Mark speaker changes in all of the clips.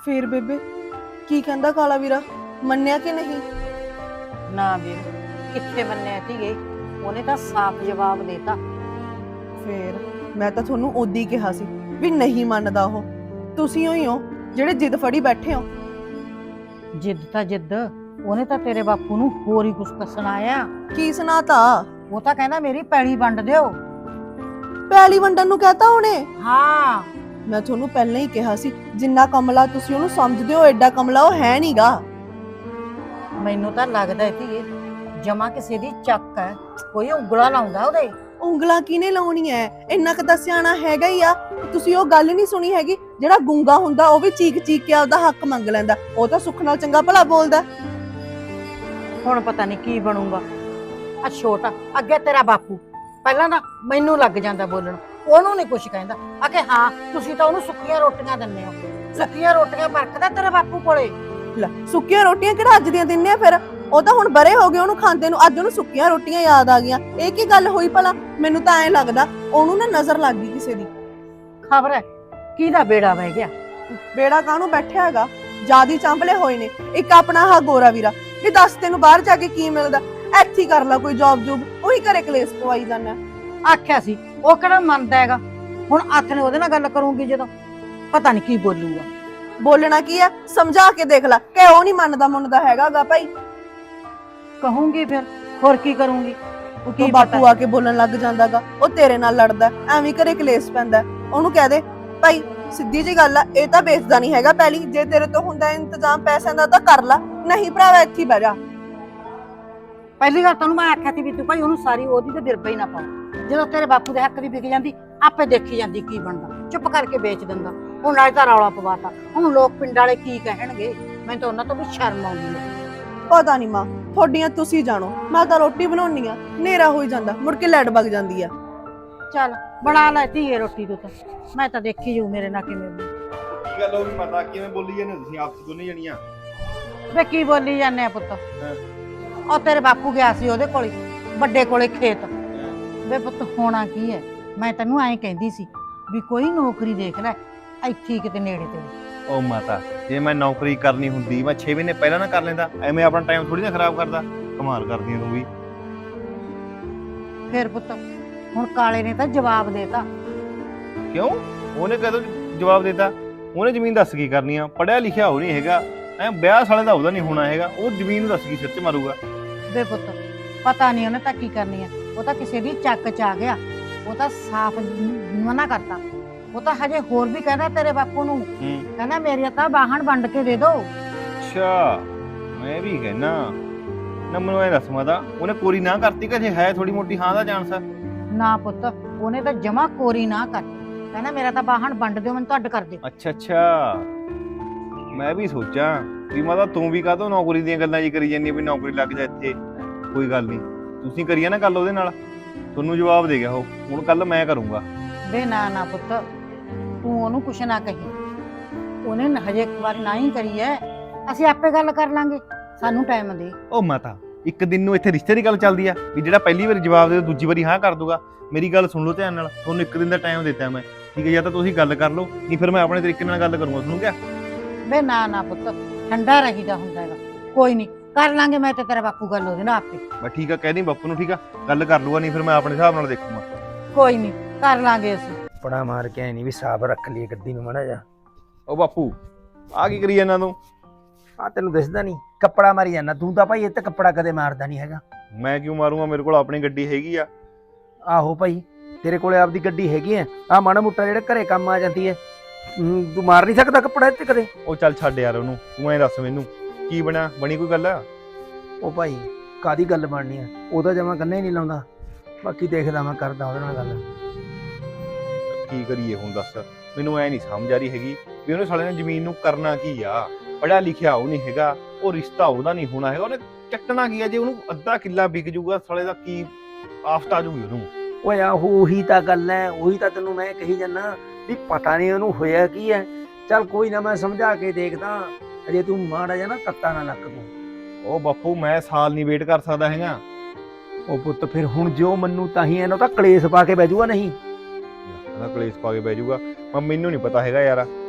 Speaker 1: ਫੇਰ ਬੇਬੇ ਕੀ ਕਹਿੰਦਾ ਕਾਲਾ ਵੀਰਾ, ਮੰਨਿਆ ਕਿ ਨਹੀਂ?
Speaker 2: ਨਾ ਵੀਰ, ਕਿੱਥੇ ਮੰਨਿਆ ਧੀਏ, ਉਹਨੇ ਤਾਂ ਸਾਫ਼ ਜਵਾਬ ਦੇਤਾ।
Speaker 1: ਫੇਰ ਮੈਂ ਤਾਂ ਤੁਹਾਨੂੰ ਉਦੋਂ ਹੀ ਕਿਹਾ ਸੀ ਵੀ ਨਹੀਂ ਮੰਨਦਾ ਉਹ। ਤੁਸੀਂ ਹੋਈ ਹੋ ਜਿਹੜੇ ਜਿੱਦ ਫੜੀ ਬੈਠੇ ਹੋ।
Speaker 2: ਜਿੱਦ ਤਾਂ ਜਿੱਦ, ਉਹਨੇ ਤਾਂ ਤੇਰੇ ਬਾਪੂ ਨੂੰ ਹੋਰ ਹੀ ਕੁਛ ਸੁਣਾਇਆ।
Speaker 1: ਕੀ ਸੁਣਾਤਾ?
Speaker 2: ਉਹ ਤਾਂ ਕਹਿੰਦਾ ਮੇਰੀ ਪੈਲੀ ਵੰਡ ਦਿਓ।
Speaker 1: ਪੈਲੀ ਵੰਡਣ ਨੂੰ ਕਹਤਾ ਉਹਨੇ?
Speaker 2: ਹਾਂ,
Speaker 1: ਮੈਂ ਤੁਹਾਨੂੰ ਪਹਿਲਾਂ ਹੀ ਕਿਹਾ ਸੀ, ਜਿੰਨਾ ਕਮਲਾ ਤੁਸੀਂ ਉਹਨੂੰ ਸਮਝਦੇ ਹੋ ਐਡਾ ਕਮਲਾ ਉਹ ਹੈ ਨਹੀਂਗਾ।
Speaker 2: ਮੈਨੂੰ ਤਾਂ ਲੱਗਦਾ ਧੀਏ ਜਮਾ ਕਿਸੇ ਦੀ ਚੱਕ ਹੈ, ਕੋਈ ਉਂਗਲਾ ਲਾਉਂਦਾ ਉਹਦੇ।
Speaker 1: ਉਂਗਲਾਂ ਕਿਹਨੇ ਲਾਉਣੀ ਐ? ਇੰਨਾ ਕੁ ਤਾਂ ਸਿਆਣਾ ਹੈਗਾ ਹੀ ਆ। ਤੁਸੀਂ ਉਹ ਗੱਲ ਨਹੀਂ ਸੁਣੀ ਹੈਗੀ, ਜਿਹੜਾ ਗੁੰਗਾ ਹੁੰਦਾ ਉਹ ਵੀ ਚੀਕ ਚੀਕ ਕੇ ਆਪਦਾ ਹੱਕ ਮੰਗ ਲੈਂਦਾ। ਉਹ ਤਾਂ ਸੁੱਖ ਨਾਲ ਚੰਗਾ ਭਲਾ ਬੋਲਦਾ।
Speaker 2: ਹੁਣ ਪਤਾ ਨਹੀਂ ਕੀ ਬਣੂਗਾ। ਆ ਛੋਟਾ ਅੱਗੇ ਤੇਰਾ ਬਾਪੂ ਪਹਿਲਾਂ ਤਾਂ ਮੈਨੂੰ ਲੱਗ ਜਾਂਦਾ ਬੋਲਣ, ਉਹਨੂੰ ਨਹੀਂ ਕੁਛ ਕਹਿੰਦਾ। ਆਖੇ ਹਾਂ ਤੁਸੀਂ ਤਾਂ ਉਹਨੂੰ ਸੁੱਕੀਆਂ ਰੋਟੀਆਂ ਦਿੰਦੇ ਹੋ, ਸੁੱਕੀਆਂ ਰੋਟੀਆਂ ਵਰਤਦਾ ਤੇਰੇ ਬਾਪੂ ਕੋਲੇ।
Speaker 1: ਲੈ ਸੁੱਕੀਆਂ ਰੋਟੀਆਂ ਕਿਹੜਾ ਅੱਜ ਦੀਆਂ ਦਿੰਨੇ ਆ? ਫਿਰ ਉਹ ਤਾਂ ਹੁਣ ਬਰੇ ਹੋ ਗਏ ਉਹਨੂੰ ਖਾਂਦੇ ਨੂੰ, ਅੱਜ ਉਹਨੂੰ ਸੁੱਕੀਆਂ ਰੋਟੀਆਂ ਯਾਦ ਆ ਗਈਆਂ। ਇਹ ਕੀ ਗੱਲ ਹੋਈ ਭਲਾ? ਮੈਨੂੰ ਤਾਂ ਐਂ ਲੱਗਦਾ ਉਹਨੂੰ ਨਾ ਨਜ਼ਰ ਲੱਗ ਗਈ ਕਿਸੇ ਦੀ।
Speaker 2: ਖਬਰ ਹੈ ਕਿਹਦਾ ਬੇੜਾ ਵਹਿ ਗਿਆ।
Speaker 1: ਬੇੜਾ ਕਾਹਨੂੰ ਬੈਠਿਆ ਹੈਗਾ, ਜਿਆਦੀ ਚਾਂਪਲੇ ਹੋਏ ਨੇ। ਇੱਕ ਆਪਣਾ ਆਹ ਗੋਰਾ ਵੀਰਾ ਵੀ ਦੱਸ ਤੈਨੂੰ ਬਾਹਰ ਜਾ ਕੇ ਕੀ ਮਿਲਦਾ? ਇੱਥੇ ਕਰ ਲੈ ਕੋਈ ਜੌਬ ਜੂਬ, ਉਹੀ ਘਰੇ ਕਲੇਸ਼ ਪਵਾਈ ਜਾਂਦਾ।
Speaker 2: ਆਖਿਆ ਸੀ ਉਹ ਕਿਹੜਾ ਮੰਨਦਾ ਹੈਗਾ। ਹੁਣ ਹੱਥ ਨੇ ਉਹਦੇ ਨਾਲ ਗੱਲ ਕਰੂੰਗੀ ਜਦੋਂ, ਪਤਾ ਨਹੀਂ ਕੀ ਬੋਲੂਗਾ।
Speaker 1: ਬੋਲਣਾ ਕੀ ਆ? ਸਮਝਾ ਕੇ ਦੇਖ ਲੈ ਕਿ ਉਹ ਨਹੀਂ ਮੰਨਦਾ ਹੈਗਾਗਾ ਭਾਈ।
Speaker 2: ਕਹੂੰਗੀ ਫਿਰ ਹੋਰ ਕੀ ਕਰੂੰਗੀ। ਉਹ ਕੀ
Speaker 1: ਬਾਪੂ ਆ ਕੇ ਬੋਲਣ ਲੱਗ ਜਾਂਦਾਗਾ, ਉਹ ਤੇਰੇ ਨਾਲ ਲੜਦਾ, ਐਵੇਂ ਘਰੇ ਕਲੇਸ਼ ਪੈਂਦਾ। ਉਹਨੂੰ ਕਹਿ ਦੇ ਭਾਈ ਸਿੱਧੀ ਜੀ ਗੱਲ ਆ, ਇਹ ਤਾਂ ਵੇਚਦਾ ਨਹੀਂ ਹੈਗਾ ਪਹਿਲੀ। ਜੇ ਤੇਰੇ ਤੋਂ ਹੁੰਦਾ ਇੰਤਜ਼ਾਮ ਪੈਸਿਆਂ ਦਾ ਤਾਂ ਕਰ ਲੈ, ਨਹੀਂ ਭਰਾਵਾ ਇੱਥੇ ਬਹਿ ਜਾ।
Speaker 2: ਪਹਿਲੀ ਗੱਲ ਤੈਨੂੰ ਮੈਂ ਆਖਿਆ ਸੀ ਵੀ ਤੂੰ ਭਾਈ ਉਹਨੂੰ ਸਾਰੀ ਉਹਦੀ ਤੇ ਦਿਰਪਾ ਹੀ ਨਾ ਪਾਓ। ਜਦੋਂ ਤੇਰੇ ਬਾਪੂ ਦੇ ਹੱਕ ਦੀ ਵਿਕ ਜਾਂਦੀ ਆਪੇ ਦੇਖੀ ਜਾਂਦੀ ਕੀ ਬਣਦਾ, ਚੁੱਪ ਕਰਕੇ ਵੇਚ ਦਿੰਦਾ। ਹੁਣ ਨਾਲੇ ਤਾਂ ਰੌਲਾ ਪਵਾਤਾ, ਹੁਣ ਲੋਕ ਪਿੰਡ ਵਾਲੇ ਕੀ ਕਹਿਣਗੇ। ਮੈਨੂੰ ਤਾਂ ਉਹਨਾਂ ਤੋਂ ਵੀ ਸ਼ਰਮ ਆਉਂਦੀ ਹੈ।
Speaker 1: ਪਤਾ ਨਹੀਂ ਮਾਂ, ਤੁਹਾਡੀਆਂ ਤੁਸੀਂ ਜਾਣੋ। ਮੈਂ ਤਾਂ ਰੋਟੀ ਬਣਾਉਣੀ ਆ, ਹਨੇਰਾ ਹੋਈ ਜਾਂਦਾ, ਮੁੜ ਕੇ ਲਾਈਟ ਵਗ ਜਾਂਦੀ ਆ।
Speaker 2: ਚੱਲ ਬਣਾ ਲੈ ਧੀਏ ਰੋਟੀ ਤੂੰ ਤਾਂ, ਮੈਂ ਤਾਂ ਦੇਖੀ ਜਾਊ ਮੇਰੇ ਨਾਲ ਕਿਵੇਂ।
Speaker 3: ਕੀ ਗੱਲ ਹੋ ਗਈ ਮਾਤਾ, ਕਿਵੇਂ ਬੋਲੀ ਜਾਂਦੇ ਤੁਸੀਂ ਆਪਸ ਦੋਨੇ ਜਣੀਆਂ?
Speaker 2: ਵੇ ਕੀ ਬੋਲੀ ਜਾਂਦੇ ਆ ਪੁੱਤ? ਉਹ ਤੇਰੇ ਬਾਪੂ ਗਿਆ ਸੀ ਉਹਦੇ ਕੋਲੇ, ਵੱਡੇ ਕੋਲੇ ਖੇਤ। ਵੇ ਪੁੱਤ ਹੋਣਾ ਕੀ ਹੈ, ਮੈਂ ਤੈਨੂੰ ਐਂ ਕਹਿੰਦੀ ਸੀ ਵੀ ਕੋਈ ਨੌਕਰੀ ਦੇਖ ਲੈ ਇੱਥੇ ਕਿਤੇ ਨੇੜੇ ਤੇ।
Speaker 3: ਉਹ ਮਾਤਾ, ਜੇ ਮੈਂ ਨੌਕਰੀ ਕਰਨੀ ਹੁੰਦੀ ਮੈਂ 6 ਮਹੀਨੇ ਪਹਿਲਾਂ ਨਾ ਕਰ ਲੈਂਦਾ। ਐਵੇਂ ਆਪਣਾ ਟਾਈਮ ਥੋੜੀ ਨਾ ਖਰਾਬ ਕਰਦਾ। ਕਮਾਲ ਕਰਦੀ ਤੂੰ ਵੀ।
Speaker 2: ਫਿਰ ਪੁੱਤ ਹੁਣ ਕਾਲੇ ਨੇ ਤਾਂ ਜਵਾਬ ਦੇਤਾ।
Speaker 3: ਕਿਉਂ? ਉਹਨੇ ਕਦੋਂ ਜਵਾਬ ਦਿੱਤਾ? ਉਹਨੇ ਜ਼ਮੀਨ ਦੱਸ ਕੀ ਕਰਨੀ ਆ? ਪੜਿਆ ਲਿਖਿਆ ਉਹ ਨਹੀਂ ਹੈਗਾ, ਵਿਆਹ ਸਾਲੇ ਦਾ ਉਹਦਾ ਨਹੀਂ ਹੋਣਾ ਹੈਗਾ। ਉਹ ਜ਼ਮੀਨ ਨੂੰ ਦੱਸ ਕੀ ਸਿਰ 'ਚ ਮਾਰੂਗਾ?
Speaker 2: ਵੇ ਪੁੱਤ ਪਤਾ ਨਹੀਂ ਉਹਨੇ ਤਾਂ ਕੀ ਕਰਨੀ ਆ, ਉਹ ਤਾਂ ਕਿਸੇ ਦੀ ਚੱਕ 'ਚ ਆ ਗਿਆ। ਉਹ ਤਾਂ ਸਾਫ਼ ਮਨਾ ਕਰਤਾ। ਉਹ ਤਾਂ ਹਜੇ ਹੋਰ ਵੀ ਕਹਿੰਦਾ ਤੇਰੇ ਬਾਪੂ ਨੂੰ, ਕਹਿੰਦਾ ਮੇਰੀਆਂ ਤਾਂ ਬਾਹਣ ਵੰਡ ਕੇ ਦੇ ਦੋ।
Speaker 3: ਅੱਛਾ, ਮੈਂ ਵੀ ਕਹਿਣਾ ਨਾ। ਮੈਨੂੰ ਇਹ ਦੱਸ ਮਾਤਾ, ਉਹਨੇ ਕੋਰੀ ਨਾ ਕਰਤੀ ਕਿ ਜੇ ਹੈ ਥੋੜੀ ਮੋਟੀ ਹਾਂ ਦਾ ਚਾਂਸ?
Speaker 2: ਨਾ ਪੁੱਤ, ਉਹਨੇ ਤਾਂ ਜਮਾ ਕੋਰੀ ਨਾ ਕਰ, ਕਹਿੰਦਾ ਮੇਰਾ ਤਾਂ ਬਾਹਣ ਵੰਡ ਦਿਓ, ਮੈਨੂੰ ਤੁਹਾਡ ਕਰ ਦਿਓ।
Speaker 3: ਅੱਛਾ, ਮੈਂ ਵੀ ਸੋਚਾਂ ਵੀ ਮਾਤਾ ਤੂੰ ਵੀ ਕਾਹਤੋਂ ਨੌਕਰੀ ਦੀਆਂ ਗੱਲਾਂ ਜੀ ਕਰੀ ਜਾਂਦੀ ਵੀ ਨੌਕਰੀ ਲੱਗ ਜਾ ਇੱਥੇ। ਕੋਈ ਗੱਲ ਨਹੀਂ, ਤੁਸੀਂ ਕਰੀਏ ਨਾ ਗੱਲ ਉਹਦੇ ਨਾਲ, ਤੁਹਾਨੂੰ ਜਵਾਬ ਦੇ ਗਿਆ ਉਹ। ਹੁਣ ਕੱਲ ਮੈਂ ਕਰੂੰਗਾ।
Speaker 2: ਵੇ ਨਾ ਨਾ ਪੁੱਤ, ਤੂੰ ਉਹਨੂੰ ਕੁਛ ਨਾ ਕਹੀ। ਉਹਨੇ ਹਜੇ ਇੱਕ ਵਾਰ ਨਾ ਹੀ ਕਰੀ ਐ, ਅਸੀਂ ਆਪੇ ਗੱਲ ਕਰ ਲਾਂਗੇ, ਸਾਨੂੰ ਟਾਈਮ ਦੇ।
Speaker 3: ਉਹ ਮਾਤਾ, ਇੱਕ ਦਿਨ ਨੂੰ ਇੱਥੇ ਰਿਸ਼ਤੇ ਦੀ ਗੱਲ ਚੱਲਦੀ ਆ ਵੀ ਜਿਹੜਾ ਪਹਿਲੀ ਵਾਰੀ ਜਵਾਬ ਦੇ ਦੂਜੀ ਵਾਰੀ ਹਾਂ ਕਰ ਦੂਗਾ? ਮੇਰੀ ਗੱਲ ਸੁਣ ਲਓ ਧਿਆਨ ਨਾਲ, ਤੁਹਾਨੂੰ ਇੱਕ ਦਿਨ ਦਾ ਟਾਈਮ ਦਿੱਤਾ ਮੈਂ, ਠੀਕ ਹੈ? ਜਾਂ ਤਾਂ ਤੁਸੀਂ ਗੱਲ ਕਰ ਲਓ, ਨਹੀਂ ਫਿਰ ਮੈਂ ਆਪਣੇ ਤਰੀਕੇ ਨਾਲ ਗੱਲ ਕਰੂੰਗਾ। ਤੁਹਾਨੂੰ ਕਿਹਾ?
Speaker 2: ਵੇ ਨਾ ਨਾ ਪੁੱਤ, ਠੰਡਾ ਰਹੀਦਾ ਹੁੰਦਾ ਹੈਗਾ। ਕੋਈ ਨਹੀਂ, ਕਰ ਲਾਂਗੇ ਮੈਂ ਤੇ ਤੇਰਾ ਬਾਪੂ ਗੱਲ ਉਹਦੇ ਨਾਲ ਆਪੇ।
Speaker 3: ਬਸ ਠੀਕ ਆ, ਕਹਿ ਦੀ ਬਾਪੂ ਨੂੰ, ਠੀਕ ਆ? ਗੱਲ ਕਰ ਲੂਗਾ, ਨਹੀਂ ਫਿਰ ਮੈਂ ਆਪਣੇ ਹਿਸਾਬ ਨਾਲ ਦੇਖੂੰਗਾ।
Speaker 2: ਕੋਈ ਨਹੀਂ, ਕਰ ਲਾਂਗੇ ਅਸੀਂ।
Speaker 4: ਪੜਾ ਮਾਰ ਕੇ ਐ ਨਹੀਂ ਵੀ ਸਾਫ ਰੱਖ ਲਈ ਗੱਡੀ ਨੂੰ ਮਾੜਾ ਜਾ।
Speaker 3: ਉਹ ਬਾਪੂ ਆ ਕੀ ਕਰੀ ਜਾਂਦਾ ਤੂੰ?
Speaker 4: ਆ ਤੈਨੂੰ ਦਿਸਦਾ ਨਹੀਂ, ਕੱਪੜਾ ਮਾਰੀ ਜਾਂਦਾ ਤੂੰ ਤਾਂ ਭਾਈ। ਇਹ ਤੇ ਕੱਪੜਾ ਕਦੇ ਮਾਰਦਾ ਨਹੀਂ ਹੈਗਾ।
Speaker 3: ਮੈਂ ਕਿਉਂ ਮਾਰੂੰਗਾ? ਮੇਰੇ ਕੋਲ ਆਪਣੀ ਗੱਡੀ ਹੈਗੀ ਆ।
Speaker 4: ਆਹੋ ਭਾਈ, ਤੇਰੇ ਕੋਲੇ ਆਪਦੀ ਗੱਡੀ ਹੈਗੀ ਐ। ਆ ਮਾੜਾ ਮੋਟਾ ਜਿਹੜੇ ਘਰੇ ਕੰਮ ਆ ਜਾਂਦੀ ਐ, ਤੂੰ ਮਾਰ ਨਹੀਂ ਸਕਦਾ ਕੱਪੜਾ ਇੱਥੇ ਕਦੇ?
Speaker 3: ਉਹ ਚੱਲ ਛੱਡ ਯਾਰ ਉਹਨੂੰ, ਤੂੰ ਐਂ ਦੱਸ ਮੈਨੂੰ ਕੀ ਬਣਿਆ? ਬਣੀ ਕੋਈ ਗੱਲ?
Speaker 4: ਉਹ ਭਾਈ ਕਾਦੀ ਗੱਲ ਬਣਨੀ ਆ, ਉਹਦਾ ਜਮਾ ਕੰਨੇ ਹੀ ਨਹੀਂ ਲਾਉਂਦਾ। ਬਾਕੀ ਦੇਖਦਾ ਮੈਂ, ਕਰਦਾ ਉਹਦੇ ਨਾਲ ਗੱਲ।
Speaker 3: ਕੀ ਕਰੀਏ ਹੁਣ ਦੱਸ? ਮੈਨੂੰ ਐ ਨਹੀਂ ਸਮਝ ਆ ਰਹੀ ਹੈਗੀ ਵੀ ਉਹਨੇ ਸਾਲੇ ਨੇ ਜ਼ਮੀਨ ਨੂੰ ਕਰਨਾ ਕੀ ਆ। ਪੜਿਆ ਲਿਖਿਆ ਉਹ ਨਹੀਂ ਹੈਗਾ, ਉਹ ਰਿਸ਼ਤਾ ਉਹਦਾ ਨਹੀਂ ਹੋਣਾ ਹੈਗਾ। ਉਹਨੇ ਚੱਕਣਾ ਕੀ ਆ? ਜੇ ਉਹਨੂੰ ਅੱਧਾ ਕਿੱਲਾ ਵਿਕ ਜੂਗਾ ਸਾਲੇ ਦਾ, ਕੀ ਆਫਤ ਆ ਜੂਗੀ ਉਹਨੂੰ?
Speaker 4: ਓਏ ਆ ਉਹੀ ਤਾਂ ਗੱਲ ਐ, ਉਹੀ ਤਾਂ ਤੈਨੂੰ ਮੈਂ ਕਹੀ ਜਾਂਦਾ ਵੀ ਪਤਾ ਨਹੀਂ ਉਹਨੂੰ ਹੋਇਆ ਕੀ ਐ। ਚੱਲ ਕੋਈ ਨਾ, ਮੈਂ ਸਮਝਾ ਕੇ ਦੇਖਦਾ। ਅਜੇ ਤੂੰ ਮਾੜਾ ਜਾ ਨਾ ਤੱਤਾ ਨਾ ਲੱਕ ਤੂੰ।
Speaker 3: ਉਹ ਬਾਪੂ ਮੈਂ ਸਾਲ ਨਹੀਂ ਵੇਟ ਕਰ ਸਕਦਾ ਹੈਗਾ।
Speaker 4: ਉਹ ਪੁੱਤ ਫਿਰ ਹੁਣ ਜੋ ਮੰਨੂ ਤਾਂ ਹੀ ਇਹਨੂੰ ਤਾਂ ਕਲੇਸ਼ ਪਾ ਕੇ ਬਹਿ ਜੂਗਾ। ਨਹੀਂ
Speaker 3: ਕਲੇਸ਼ ਪਾ ਕੇ ਬਹਿ ਜੂਗਾ? ਮੈਨੂੰ ਨਹੀਂ ਪਤਾ ਹੈਗਾ ਯਾਰ,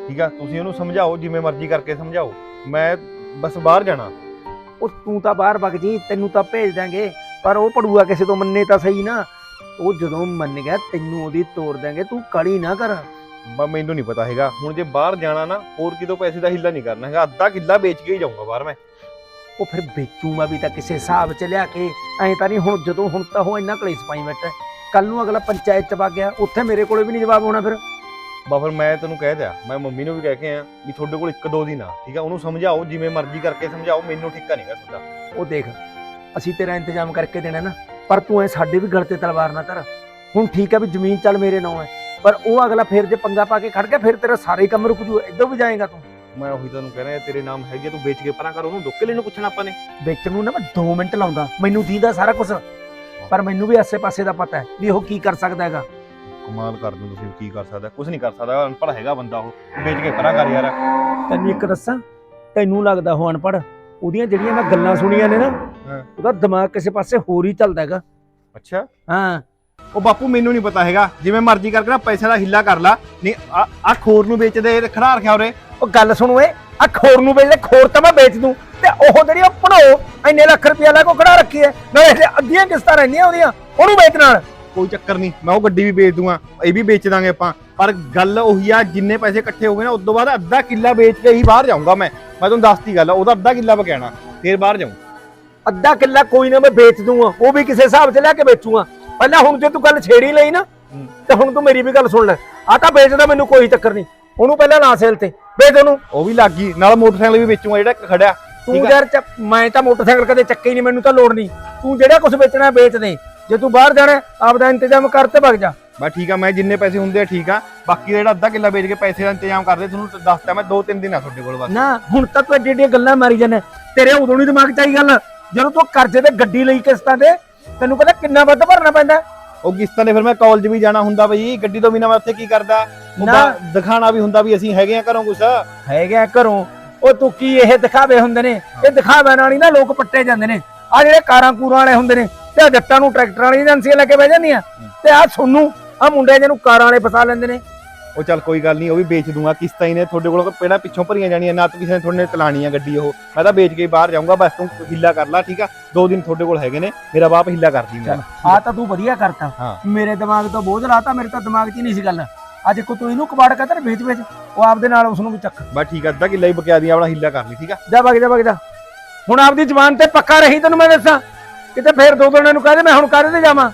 Speaker 3: ਠੀਕ ਆ ਤੁਸੀਂ ਉਹਨੂੰ ਸਮਝਾਓ, ਜਿਵੇਂ ਮਰਜ਼ੀ ਕਰਕੇ ਸਮਝਾਓ। ਮੈਂ ਬਸ ਬਾਹਰ ਜਾਣਾ।
Speaker 4: ਉਹ ਤੂੰ ਤਾਂ ਬਾਹਰ ਵਗ ਜੀ, ਤੈਨੂੰ ਤਾਂ ਭੇਜ ਦਾਂਗੇ, ਪਰ ਉਹ ਪੜੂਆ ਕਿਸੇ ਤੋਂ ਮੰਨੇ ਤਾਂ ਸਹੀ ਨਾ। ਉਹ ਜਦੋਂ ਮੰਨ ਗਿਆ ਤੈਨੂੰ ਉਹਦੀ ਤੋੜ ਦਾਂਗੇ, ਤੂੰ ਕਾਲੀ ਨਾ ਕਰ।
Speaker 3: ਮੈਨੂੰ ਨਹੀਂ ਪਤਾ ਹੈਗਾ, ਹੁਣ ਜੇ ਬਾਹਰ ਜਾਣਾ ਨਾ ਹੋਰ ਕਿਤੋਂ ਪੈਸੇ ਦਾ ਹਿੱਲਾ ਨਹੀਂ ਕਰਨਾ ਹੈਗਾ, ਅੱਧਾ ਕਿੱਲਾ ਵੇਚ ਕੇ ਹੀ ਜਾਊਂਗਾ ਬਾਹਰ ਮੈਂ।
Speaker 4: ਉਹ ਫਿਰ ਵੇਚੂਗਾ ਵੀ ਤਾਂ ਕਿਸੇ ਹਿਸਾਬ 'ਚ ਲਿਆ ਕੇ, ਐਂ ਤਾਂ ਨਹੀਂ ਹੁਣ ਤਾਂ ਉਹ ਇੰਨਾ ਕਲੇਸ਼ ਪਾਈ ਬੈਠਾ। ਕੱਲ ਨੂੰ ਅਗਲਾ ਪੰਚਾਇਤ 'ਚ ਵਗ ਗਿਆ, ਉੱਥੇ ਮੇਰੇ ਕੋਲੇ ਵੀ ਨਹੀਂ ਜਵਾਬ ਹੋਣਾ ਫਿਰ।
Speaker 3: ਫਿਰ ਮੈਂ ਤੈਨੂੰ ਕਹਿ ਦਿਆ, ਮੈਂ ਮੰਮੀ ਨੂੰ ਵੀ ਕਹਿ ਕੇ ਆਇਆ ਵੀ ਤੁਹਾਡੇ ਕੋਲ 1-2 ਦਿਨ ਆ, ਠੀਕ ਆ, ਉਹਨੂੰ ਸਮਝਾਓ, ਜਿਵੇਂ ਮਰਜ਼ੀ ਕਰਕੇ ਸਮਝਾਓ, ਮੈਨੂੰ ਠਿੱਕਾ ਨਹੀਂਗਾ ਤੁਹਾਡਾ।
Speaker 4: ਉਹ ਦੇਖ, ਅਸੀਂ ਤੇਰਾ ਇੰਤਜ਼ਾਮ ਕਰਕੇ ਦੇਣਾ ਨਾ, ਪਰ ਤੂੰ ਐ ਸਾਡੇ ਵੀ ਗਲ ਤੇ ਤਲਵਾਰ ਨਾ ਧਰ। ਹੁਣ ਠੀਕ ਆ ਵੀ ਜ਼ਮੀਨ ਚੱਲ ਮੇਰੇ ਨਾਂ ਹੈ, ਪਰ ਉਹ ਅਗਲਾ ਫਿਰ ਜੇ ਪੰਗਾ ਪਾ ਕੇ ਖੜ ਗਿਆ, ਫਿਰ ਤੇਰਾ ਸਾਰੇ ਕੰਮ ਰੁਕ ਜੂ, ਇੱਧਰ ਵੀ ਜਾਏਗਾ ਤੂੰ।
Speaker 3: ਮੈਂ ਉਹੀ ਤੁਹਾਨੂੰ ਕਹਿ ਰਿਹਾ, ਤੇਰੇ ਨਾਮ ਹੈਗੇ, ਤੂੰ ਵੇਚ ਕੇ ਪਰਾਂ ਕਰ, ਉਹਨੂੰ ਡੁੱਕੇ ਲੈਨੂੰ ਪੁੱਛਣਾ ਆਪਾਂ ਨੇ।
Speaker 4: ਵਿੱਚ ਨੂੰ ਨਾ ਮੈਂ 2 ਮਿੰਟ ਲਾਉਂਦਾ, ਮੈਨੂੰ ਦੀਦਾ ਸਾਰਾ ਕੁਝ, ਪਰ ਮੈਨੂੰ ਵੀ ਆਸੇ-ਪਾਸੇ ਦਾ ਪਤਾ ਹੈ ਵੀ ਉਹ ਕੀ ਕਰ ਸਕਦਾ ਹੈਗਾ।
Speaker 3: ਕਮਾਲ ਕਰ ਦੂੰ, ਤੁਸੀਂ ਕੀ ਕਰ ਸਕਦਾ? ਕੁਝ ਨਹੀਂ ਕਰ ਸਕਦਾ, ਅਨਪੜ੍ਹ ਹੈਗਾ ਬੰਦਾ ਉਹ, ਵੇਚ ਕੇ ਪਰਾਂ ਕਰ ਯਾਰ।
Speaker 4: ਤੈਨੂੰ ਇੱਕ ਦੱਸਾਂ, ਤੈਨੂੰ ਲੱਗਦਾ ਉਹ ਅਨਪੜ੍ਹ, ਉਹਦੀਆਂ ਜਿਹੜੀਆਂ ਮੈਂ ਗੱਲਾਂ ਸੁਣੀਆਂ ਨੇ ਨਾ, ਉਹਦਾ ਦਿਮਾਗ ਕਿਸੇ ਪਾਸੇ ਹੋਰ ਹੀ ਚੱਲਦਾ ਹੈਗਾ।
Speaker 3: ਅੱਛਾ,
Speaker 4: ਹਾਂ।
Speaker 3: ਉਹ ਬਾਪੂ ਮੈਨੂੰ ਨਹੀਂ ਪਤਾ ਹੈਗਾ, ਜਿਵੇਂ ਮਰਜ਼ੀ ਕਰਕੇ ਨਾ ਪੈਸੇ ਦਾ ਹਿੱਲਾ ਕਰ ਲਾ, ਨਹੀਂ ਆ ਖੋਰ ਨੂੰ ਵੇਚਦੇ ਖੜਾ ਰੱਖਿਆ ਉਰੇ।
Speaker 4: ਉਹ ਗੱਲ ਸੁਣ ਓਏ, ਆ ਖੋਰ ਨੂੰ ਵੇਚ ਲੈ, ਖੋਰ ਤਾਂ ਮੈਂ ਵੇਚ ਦੂੰ, ਤੇ ਉਹ ਜਿਹੜੀ ਉਹ ਭਣੋ ਇੰਨੇ ਲੱਖ ਰੁਪਇਆ ਲੈ ਕੋ ਖੜਾ ਰੱਖੀ ਹੈ, ਨਾਲੇ ਅੱਧੀਆਂ ਕਿਸ਼ਤਾਂ ਰਹਿੰਦੀਆਂ ਉਹਦੀਆਂ, ਉਹਨੂੰ ਵੇਚ ਨਾਲ।
Speaker 3: ਕੋਈ ਚੱਕਰ ਨਹੀਂ, ਮੈਂ ਉਹ ਗੱਡੀ ਵੀ ਵੇਚ ਦੂੰਗਾ, ਇਹ ਵੀ ਵੇਚ ਦਾਂਗੇ ਆਪਾਂ, ਪਰ ਗੱਲ ਉਹੀ ਆ, ਜਿੰਨੇ ਪੈਸੇ ਇਕੱਠੇ ਹੋ ਗਏ ਨਾ ਉਸ ਤੋਂ ਬਾਅਦ ਅੱਧਾ ਕਿੱਲਾ ਵੇਚ ਕੇ ਹੀ ਬਾਹਰ ਜਾਊਂਗਾ ਮੈਂ ਤੁਹਾਨੂੰ ਦੱਸਤੀ ਗੱਲ, ਉਹਦਾ ਅੱਧਾ ਕਿੱਲਾ ਬਕਾਣਾ, ਫੇਰ ਬਾਹਰ ਜਾਊਂ।
Speaker 4: ਅੱਧਾ ਕਿੱਲਾ ਕੋਈ ਨਾ ਮੈਂ ਵੇਚ ਦੂੰਗਾ, ਉਹ ਵੀ ਕਿਸੇ ਹਿਸਾਬ 'ਚ ਲੈ ਕੇ ਵੇਚੂਗਾ। ਪਹਿਲਾਂ ਹੁਣ ਜੇ ਤੂੰ ਗੱਲ ਛੇੜੀ ਲਈ ਨਾ, ਤੇ ਹੁਣ ਤੂੰ ਮੇਰੀ ਵੀ ਗੱਲ ਸੁਣ ਲੈ। ਆ ਤਾਂ ਵੇਚਦਾ, ਮੈਨੂੰ ਕੋਈ ਚੱਕਰ ਨਹੀਂ, ਉਹਨੂੰ ਪਹਿਲਾਂ ਨਾ ਸੇਲ ਤੇ ਵੇਚ ਉਹਨੂੰ।
Speaker 3: ਉਹ ਵੀ ਲੱਗ ਗਈ, ਨਾਲ ਮੋਟਰਸਾਈਕਲ ਵੀ ਵੇਚੂਗਾ ਜਿਹੜਾ ਇੱਕ ਖੜਿਆ।
Speaker 4: ਤੂੰ ਯਾਰ ਮੈਂ ਤਾਂ ਮੋਟਰਸਾਈਕਲ ਕਦੇ ਚੱਕੇ ਹੀ ਨਹੀਂ, ਮੈਨੂੰ ਤਾਂ ਲੋੜ ਨਹੀਂ। ਤੂੰ ਜਿਹੜਾ ਕੁਝ ਵੇਚਣਾ ਵੇਚ ਦੇ, ਜੇ ਤੂੰ ਬਾਹਰ ਜਾਣਾ ਆਪਦਾ ਇੰਤਜ਼ਾਮ ਕਰ ਤੇ ਵਗ ਜਾ।
Speaker 3: ਬਸ ਠੀਕ ਆ, ਮੈਂ ਜਿੰਨੇ ਪੈਸੇ ਹੁੰਦੇ ਆ ਠੀਕ ਆ, ਬਾਕੀ ਦਾ ਜਿਹੜਾ ਅੱਧਾ ਕਿੱਲਾ ਵੇਚ ਕੇ ਪੈਸੇ ਦਾ ਇੰਤਜ਼ਾਮ ਕਰਦੇ, ਤੁਹਾਨੂੰ ਦੱਸਤਾ ਮੈਂ 2-3 ਦਿਨ ਆ ਤੁਹਾਡੇ ਕੋਲ ਬਸ।
Speaker 4: ਨਾ ਹੁਣ ਤਾਂ ਤੂੰ ਐਡੀਆਂ ਗੱਲਾਂ ਮਾਰੀ ਜਾਂਦਾ, ਤੇਰੇ ਉਦੋਂ ਨਹੀਂ ਦਿਮਾਗ 'ਚ ਆਈ ਗੱਲ ਜਦੋਂ ਤੂੰ ਕਰਜ਼ੇ ਤੇ ਗੱਡੀ ਲਈ ਕਿਸ਼ਤਾਂ ਤੇ, ਤੈਨੂੰ ਪਤਾ ਕਿੰਨਾ ਵੱਧ ਭਰਨਾ ਪੈਂਦਾ।
Speaker 3: ਉਹ ਕਿਸ਼ਤਾਂ ਨੇ ਫਿਰ ਮੈਂ ਕਾਲਜ ਵੀ ਜਾਣਾ ਹੁੰਦਾ ਬਈ, ਗੱਡੀ ਤੋਂ ਬਿਨਾਂ ਮੈਂ ਉੱਥੇ ਕੀ ਕਰਦਾ, ਦਿਖਾਣਾ ਵੀ ਹੁੰਦਾ ਵੀ ਅਸੀਂ ਹੈਗੇ ਆ ਘਰੋਂ ਕੁਛ
Speaker 4: ਹੈਗਾ ਘਰੋਂ। ਉਹ ਤੂੰ ਕੀ ਇਹ ਦਿਖਾਵੇ ਹੁੰਦੇ ਨੇ, ਇਹ ਦਿਖਾਵੇ ਨਾਲ ਹੀ ਨਾ ਲੋਕ ਪੱਟੇ ਜਾਂਦੇ ਨੇ। ਆ ਜਿਹੜੇ ਕਾਰਾਂ ਕੂਰਾਂ ਵਾਲੇ ਹੁੰਦੇ ਨੇ, ਤੇ ਜੱਟਾਂ ਨੂੰ ਟਰੈਕਟਰ ਵਾਲੀ ਏਜੰਸੀਆਂ ਲੈ ਕੇ ਬਹਿ ਜਾਂਦੀਆਂ, ਤੇ ਆ ਸੋਨੂੰ ਆ ਮੁੰਡੇ ਜਿਹਨੂੰ ਕਾਰਾਂ ਵਾਲੇ ਫਸਾ ਲੈਂਦੇ ਨੇ।
Speaker 3: ਉਹ ਚੱਲ ਕੋਈ ਗੱਲ ਨਹੀਂ, ਉਹ ਵੀ ਵੇਚ ਦੂੰਗਾ, ਕਿਸ਼ਤਾਂ ਹੀ ਨੇ ਤੁਹਾਡੇ ਕੋਲ ਪਹਿਲਾਂ ਪਿੱਛੋਂ ਭਰੀਆਂ ਜਾਣੀਆਂ, ਨਾ ਤਾਂ ਕਿਸੇ ਨੇ ਤੁਹਾਡੇ ਨੇ ਚਲਾਣੀ ਆ ਗੱਡੀ, ਉਹ ਮੈਂ ਤਾਂ ਵੇਚ ਕੇ ਬਾਹਰ ਜਾਊਂਗਾ। ਬਸ ਤੂੰ ਹਿੱਲਾ ਕਰ ਲਾ, ਠੀਕ ਆ, 2 ਦਿਨ ਤੁਹਾਡੇ ਕੋਲ ਹੈਗੇ ਨੇ, ਮੇਰਾ ਬਾਪ ਹਿੱਲਾ ਕਰ ਦੀ ਮੇਰਾ।
Speaker 4: ਆ ਤਾਂ ਤੂੰ ਵਧੀਆ ਕਰਤਾ, ਮੇਰੇ ਦਿਮਾਗ ਤੋਂ ਬੋਝ ਲਾਤਾ, ਮੇਰੇ ਤਾਂ ਦਿਮਾਗ 'ਚ ਹੀ ਨਹੀਂ ਸੀ ਗੱਲ। ਅੱਜ ਕੋ ਤੂੰ ਇਹਨੂੰ ਕਬਾੜ ਕਰ ਵੇਚ ਉਹ ਆਪਦੇ ਨਾਲ ਉਸ ਨੂੰ ਵੀ ਚੱਕ।
Speaker 3: ਬਸ ਠੀਕ ਆ, ਅੱਧਾ ਕਿੱਲਾ ਹੀ ਬਕਿਆ ਦੀ, ਆਪਣਾ ਹਿੱਲਾ ਕਰ ਲਈ, ਠੀਕ ਆ।
Speaker 4: ਜਾ ਵਗ ਜਾ ਹੁਣ ਆਪਦੀ ਜ਼ਬਾਨ ਤੇ ਪੱਕਾ ਰਹੀ, ਤੈਨੂੰ ਮੈਂ ਦੱਸਾਂ, ਕਿਤੇ ਫੇਰ 2 ਦਿਨਾਂ ਨੂੰ ਕਹਦੇ ਮੈਂ ਹੁਣ ਕਾਹਦੇ ਤੇ ਜਾਵਾਂ।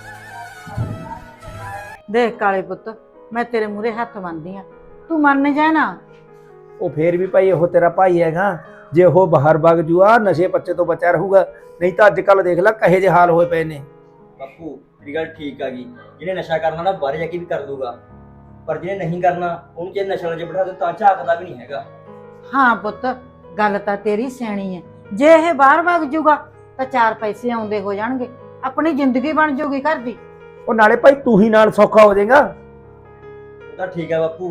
Speaker 2: ਦੇਖ ਕਾਲੇ ਪੁੱਤ, ਮੈਂ ਤੇਰੇ ਮੂਹਰੇ ਹੱਥ ਬੰਨ੍ਹਦੀ ਆ, ਤੂੰ ਮੰਨ ਜਾ ਨਾ।
Speaker 4: ਉਹ ਫੇਰ ਵੀ ਭਾਈ ਉਹ ਤੇਰਾ ਭਾਈ ਹੈਗਾ, ਜੇ ਉਹ ਬਾਹਰ ਵਗ ਜੂਆ ਨਸ਼ੇ ਪੱਚੇ ਤੋਂ ਬਚਿਆ ਰਹੂਗਾ, ਨਹੀਂ ਤਾਂ ਅੱਜ ਕੱਲ ਦੇਖ ਲੈ ਕਹੇ ਜੇ ਹਾਲ ਹੋਏ ਪਏ ਨੇ।
Speaker 5: ਬਾਪੂ ਮੇਰੀ ਗੱਲ ਠੀਕ ਆ ਗਈ, ਜਿਹਨੇ ਨਸ਼ਾ ਕਰਨਾ ਨਾ ਬਾਹਰ ਜਾ ਕੇ ਵੀ ਕਰ ਲੂਗਾ, ਪਰ ਜਿਹਨੇ ਨਹੀਂ ਕਰਨਾ ਉਹਨੂੰ ਜੇ ਨਸ਼ਾ ਚ ਬਿਠਾ ਦੇ ਤਾਂ ਝਾਕਦਾ ਵੀ ਨਹੀਂ ਹੈਗਾ।
Speaker 2: ਹਾਂ ਪੁੱਤ, ਗੱਲ ਤਾਂ ਤੇਰੀ ਸਿਆਣੀ ਹੈ, ਜੇ ਇਹ ਬਾਹਰ ਵਗ ਜੂਗਾ ਤਾਂ 4 ਪੈਸੇ ਆਉਂਦੇ ਹੋ ਜਾਣਗੇ, ਆਪਣੀ ਜ਼ਿੰਦਗੀ ਬਣ ਜੂਗੀ ਘਰ ਦੀ।
Speaker 4: ਉਹ ਨਾਲੇ ਭਾਈ ਤੂੰ ਹੀ ਨਾਲ ਸੌਖਾ ਹੋ ਜਾਏਗਾ।
Speaker 5: ਉਹ ਤਾਂ ਠੀਕ ਆ ਬਾਪੂ,